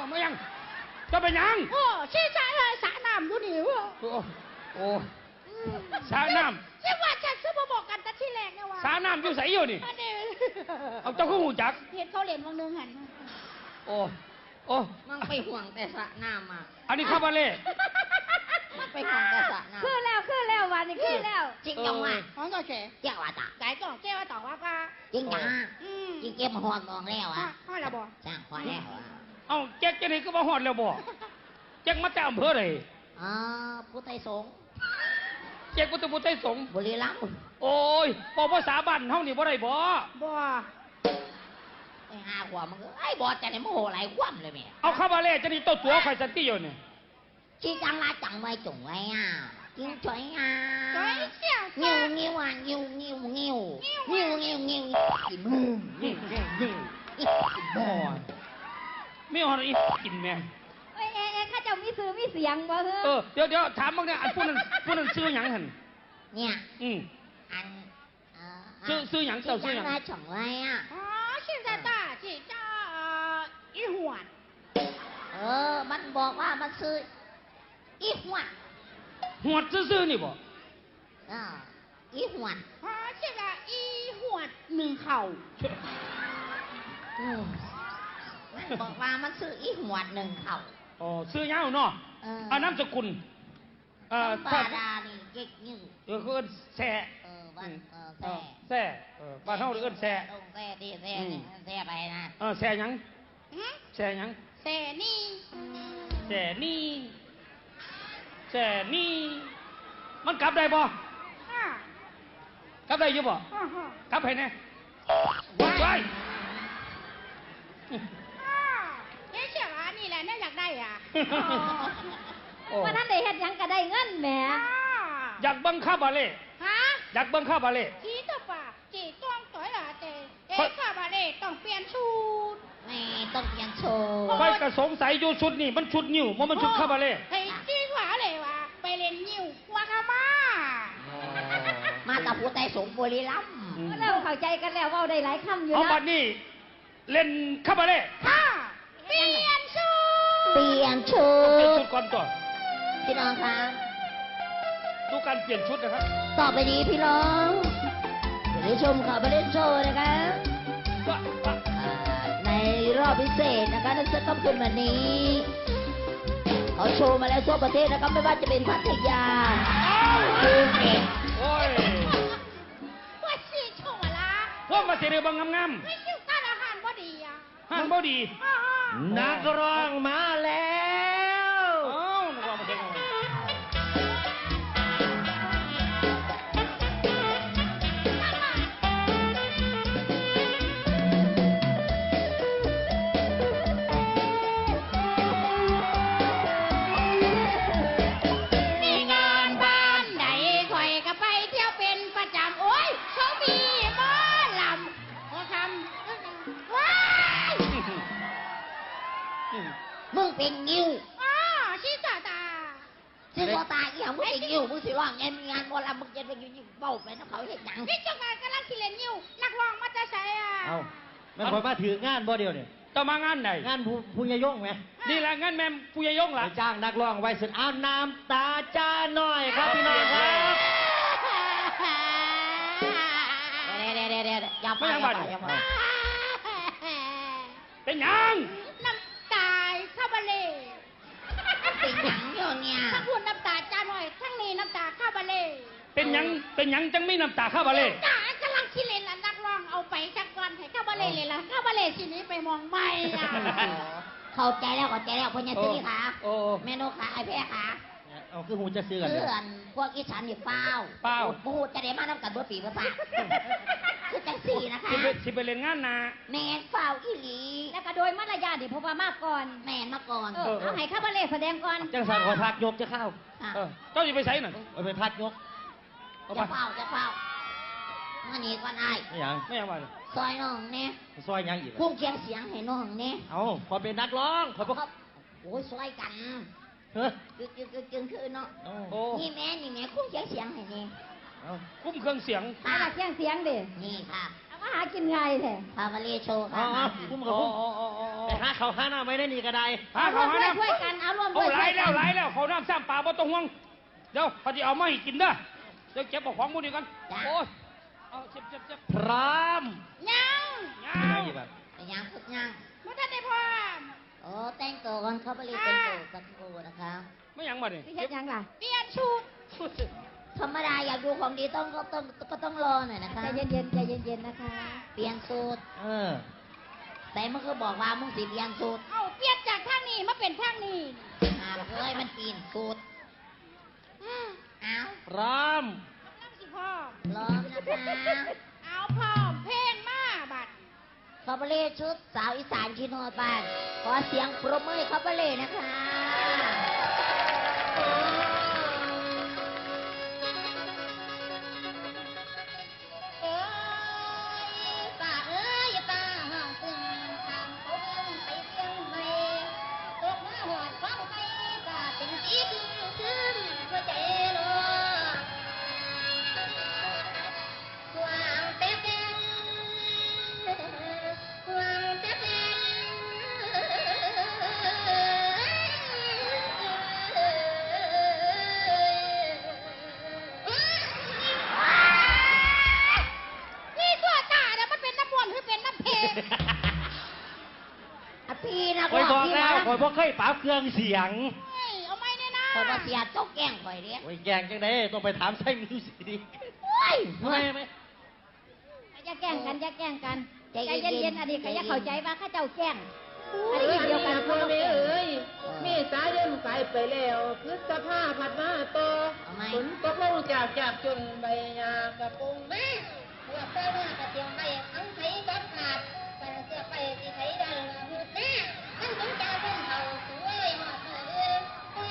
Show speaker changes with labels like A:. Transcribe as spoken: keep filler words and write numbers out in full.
A: ไม่ยังจะเป็นยัง
B: โอ้ชี้สระเลยสระน้ำดูดิวะ
A: โอ้โอ้สระน้
B: ำที่ว่าจะซื้อมาบอกกันแต่ที่แรกเนี่ยว่า
A: สระน้ำอยู่ใส่อยู่นี่เอาเจ้าขึ้นหูจัก
B: เห็นเขาเล่นวังนึงหัน
A: โอ้โอ้
C: มันไปห่วงแต่สระน้ำอ่ะ
A: อันนี้ข้าบาเล่
C: ไปห่วงแต่สระน้ำ
D: ขึ้นแล้วขึ้นแล้ววันนี้ขึ้นแล้ว
C: จริงจังวะ
B: ของก็เฉย
C: เจ้าว่าตา
B: ไก่ก็เจ้าต่อว่าป้า
C: จริงจังจริงเก็บมาห่วงมองแล้วอ่ะ
B: ห่อแล้วบ่
C: จ้างห่วงแล้ว
A: เอ้าแจ็คจะนี่ก็มาหอดแล้วบ่แจ็คมาจากอำเภอไหน
C: อ๋อผู้ไทยสง
A: แจ็คพุทธพุทธไทยสง
C: บุรีรัมย์
A: โอ้ยบอกภาษาบ้านเฮานี่บ่ได้บ่
B: บ่
C: ไอ้ห้าขวบมันก็ไอ้บอสจะได้โมโหหลายคว่ำเลยแม่
A: เอาข้าบาเล่จะนี่โตตัวใครสันติอยู่เนี่ย
C: ชี้จังละจังไว้จุ๋งไว้อ่ะจริงจ่อยอ่ะ
B: จ่อยเสี่ย
C: งิ้วงิ้วอ่ะงิ้วงิ้วงิ้วงิ้วงิ้วงิ้วกินมืองิ้วงิ้วงิ้วอีกบ่
A: ไม่เอาอีกินแม่
D: เอ้เอ้ข้าเจ้ามีซื้อมีเสียงบ่เฮ้
A: อเดี๋ยวเดี๋ยวถามบ้างเนี่ยอันผู้นั้นผู้นั้นซื้อหยังหัน
C: เนี่ย
A: อืม
C: อัน
A: ซื้อซื้อหยังเจ้าซื้อหยัง
C: มาจ่องไว้อ่ะ
B: อ๋อชื่อตาตาชื่อเจ้าอีหวด
C: เออมันบอกว่ามันซื้ออีหวด
A: หวดซื้อๆนี่บ่
C: อ่าอีหวด
B: อ๋อชื่อว่าอีหวดหนึ่งเข่า
C: มันบอกว่ามันซื้ออีหวดหนึ่งเข่า
A: อ๋อซื้อยาวเนาะอ่านามสกุล
C: เอ่อปาดานี่เก๊กยิ่ง
A: เออเขาเอิ้นแซ่
C: เออบ้านเออแซ่
A: แซ่เออบ้านเฮาเอิ้นแซ่
C: ต้องแซ่ดิแซ่นี่แซ่ไปนะ
A: เออแซ่หยังแซ่หยัง
B: แซ่นี่
A: แซ่นี่แซ่นี่มันกลับได้บ่กลับได้อยู่บ่กลับให้แน่ไป
B: เฮ้ยเชื่อว่านี่แหละน่าอยากได้อ่ะ
D: ว่าท่านได้เฮ็ดหยังก็ได้เงินแหม
A: อยากบังคับบาเล่
B: ฮะ
A: อยากบังคับบาเล่
B: จีตัวป่าจีต้องต่อยละเต้เอ๊ะข้าบาเล่ต้องเปลี่ยนชุด
C: ไม่ต้องเปลี่ยนชุด
A: ไปกระสงสัยอยู่ชุดนี่มันชุดนิ้วมันมันชุดข้าบาเล่
B: เฮ้ยจีหวาเลยว่ะไปเล่นนิ้วว่าข้ามา
C: มากับผู้ใจสงบุรีรัมย์
D: เราเข้าใจกันแล้วว่าได้หลายคำอยู่นะ
A: เอาบัดนี้เล่นข้าบาเล่
B: ค่ะเปลี่ยนชุด
C: เปลี่ยนชุด
A: เปลี่ยนชุดก่อนก่อน
C: พี่น้องครับ
A: ดูการเปลี่ยนชุดนะครับ
C: ต่อไปนี้พี่น้องจะได้ชมข่าวประเด็นโชว์นะคะในรอบพิเศษนะคะในค่ำคืนวันนี้เขาโชว์มาแล้วทั่วประเทศนะครับไม่ว่าจะเป็นพัทยาภูเก็ต
A: โอ้ย
B: ว่าสิโชว์มาละ
A: พวกมาเสด็จบังงาม
B: ๆไม่ชื่อการอาหารบ่ดีอ่ะ
A: อาหารบ่ดี
C: นักร้องมาแล้ว
A: เอ้านักร้องมาเสด็จ
C: มึงเป็นงิ้ว
B: อ๋อชิตาตา
C: ชิตาตาอีหยังมึงเป็นงิ้วมึงสิร้องงานงานวอลำมึงจะไปอยู่เบ้าไปน้ำเขาเห็นหนัง
B: นี่จังหวะกำลังคิดเล่นงิ้วนักร้องมาจะใส่อ่ะ
E: เอ้าแม่พอมาถืองานบ่เดียวเนี่ย
A: ต้องมางานไหน
E: งานผู้ผู้ยยงไหม
A: นี่แหละงานแม่ผู้ยยงล่ะ
E: จ้างนักร้องไว้สุดเอาน้ำตาจ้าหน่อยครับพี่น้องครับ
C: เดี๋ยวเดี๋ยวเดี๋ยวเดี๋ยวอย่าไปอย่าไปอย่าไป
A: เป็นยัง
B: น้ำตาข้าบาเล่
C: เป็นยังเดี๋ยวเนี่ย
B: ทั้งพูดน้ำตาจ้าหน่อยทั้งนี้น้ำตาข้าบาเล่
A: เป็นยังเป็นยังจังไม่น้ำตาข้าบาเล่
B: จ้ากำลังคิดเล่นละนักร้องเอาไปสักวันให้ข้าบาเล่เลยละข้าบาเล่ทีนี้ไปมองไม่อ่ะ
C: เข้าใจแล้วเข้าใจแล้วพญาซีค่ะแม่นกค่ะไอ้แพ้ค่ะ
E: เอาคือหูจะซื้อกัน
C: เพื่อนพวกอีฉันนี่เป้า
A: เป้า
C: ปูจะได้มาน้ำกันเบอร์ปีเบอร์ปากคือจังสี่นะคะ
A: สิไปเล่นงานนา
C: แมนเฝ้าอีหลี
D: แล้วก็โดยมารยาทดิเพราะว่ามากก่อน
C: แมนมาก่อน
D: เออเอาให้ข้าบาเล่แสดงก่อน
E: จังสันขอพักยกจะเข้า
A: เจ้าจะไปใส่หน่อย
E: ไปพักยก
C: จะเฝ้าจะเฝ้ามาหนีก่อนไอ้
E: ไม่ยัง
A: ไม่ยังมา
C: ซอยน้องเนี่ย
E: ซอยยังอีก
C: พุ่งเคียงเสียงให้น้องเนี่ย
E: เอาพอเป็นนักร้องขอพวก
C: โอ้ยซอยกันกึกกึกกึกกึกคือเนาะนี่แม่นี่แม่คุ้มเคียงเสียงให้นี่
A: คุ้มเครื่องเสียง
D: หาเคียงเสียงดิ
C: นี่ค่ะ
D: เอามาหากินไงแท้
C: พามาเรียโชว์ค่ะ
E: คุ้มกับคุ้มไปหาเขาวหาหน้าไม่ได้นี่ก็ได้
A: หาเขาหาน้
D: ช่วยกันเอาร่วม
A: ำ
D: ด้
A: เอา
D: วย
A: หลายแล้ว
D: ช่ยกัน
A: หลายแล้วเขาน้ำซ้ำปลาบ่ต้องห่วงเดี๋ยวเขาจะเอามาให้กินเด้อเดี๋ยวเก็บเอาของมูนี่กันโอ้ยเอาเจ็บเจ็บเจ็บ
E: พร้อม
B: ยัง
A: ยาว
C: ไปยังพุกยัง
B: บ่ทันได้พร้อม
C: โอ้แต่งตัวก่อนเขาไปรีบแต่งตัวสักครู่นะคะ
A: ไม่ยังมาดิ
D: พี่เฮ็ดหยังล่ะ
B: เปลี่ยนชุด
C: ธรรมดาอยากดูของดีต้องก็ต้องก็ต้องรอหน่อยนะคะ
D: ใจเย็นๆใจเย็นๆนะคะ
C: เปลี่ยนสูตร
E: เออ
C: แต่มึงก็บอกว่ามึงสิเปลี่ยนสูตร
B: เอาเปลี่ยนจากทางนี้มาเป็นทางนี้
C: หาเอ้ยมันปีนสูตร
B: อืม
C: เอา
E: พร้อม
B: กำลังสิพร้อม
C: ล้อมนะคะ
B: เอาพร้อมเพลงมาบัด
C: คาบาเล่ชุดสาวอีสานชิโนบานขอเสียงปรบมือให้คาบาเล่นะคะ
B: เอ้ยป่าเอ้ยป่าห้องตึงทางเขาเบิ่งไปเสียงใหม่ตกมาหอดฟังไปป่าเป็นสีขึ้นขึ้นหัวใจรอวางแป๊บแป๊บวางแป๊บแป๊นี่ตัวตาเนี่ยมันเป็นน้ำมนต์หรือเป็นน้ำเพลง
C: อ่ะพี่นะ
E: คอยบอก
C: พี่
E: แล้ว
C: นะ
E: คอยบอกเคยปราบเครื่องเสียง
B: เฮ้ยเอาไม่แน่นะ
C: คอยบอกเสียจกแกล้งคอยเด้
E: โอ้ยแกงจังไดต้องไปถามไส้มิวสิดิ
C: โอ้ย
E: ทำไมไหม
D: อย่าแกล้งกันอย่าแกล้งกัน
C: ใจ
D: ใจ
C: เย็นๆ
D: เย็นๆอันนี้ก็อย่าเข้าใจว่าข้าเจ้าแกล้งอัน
F: เอ
D: นี้
F: อ
D: เดียวกัน
F: พ่อแม่เอ๋ยเมษายนไปไปแล้วพฤษภาผัดมาต่อ
C: เอาไหม
F: ฝนตกลงจากจากจนใบหญ้ากระโปรงแม่เมื่อแต่เมื่อกระเทียมไม่ทั้ง